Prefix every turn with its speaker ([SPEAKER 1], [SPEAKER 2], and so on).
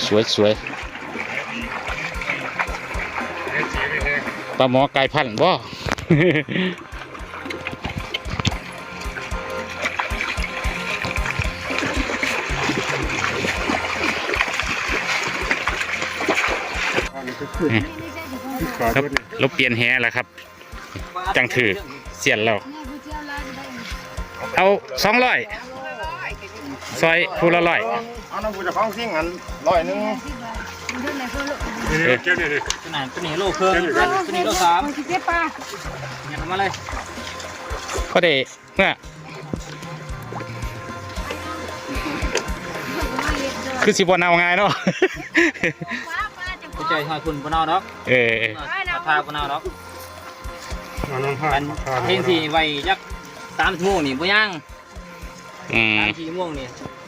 [SPEAKER 1] สวยปลาหมอไก่พันธุ์บ่ เราเปลี่ยนแหแล้วครับจังถือเสียนเราเอา200ซอยผู้ละ100
[SPEAKER 2] เอาน้ำผู้จะฟ้องซิ่งอัน100นึง
[SPEAKER 3] เจ้าเนี่ยตัวนี้โลครึ่งตัวนี้โล3เนี่ยทำมาเลย
[SPEAKER 1] พอได้เมื่อคือสิบวันเอาไงเนาะ
[SPEAKER 3] ใจหอยคุณบนเอาเนาะทาบนเอาเนาะเพลงที่ไว้ยัก3 ชั่วโมงนี่บ่ย่าง3 4 ชั่วโมงนี่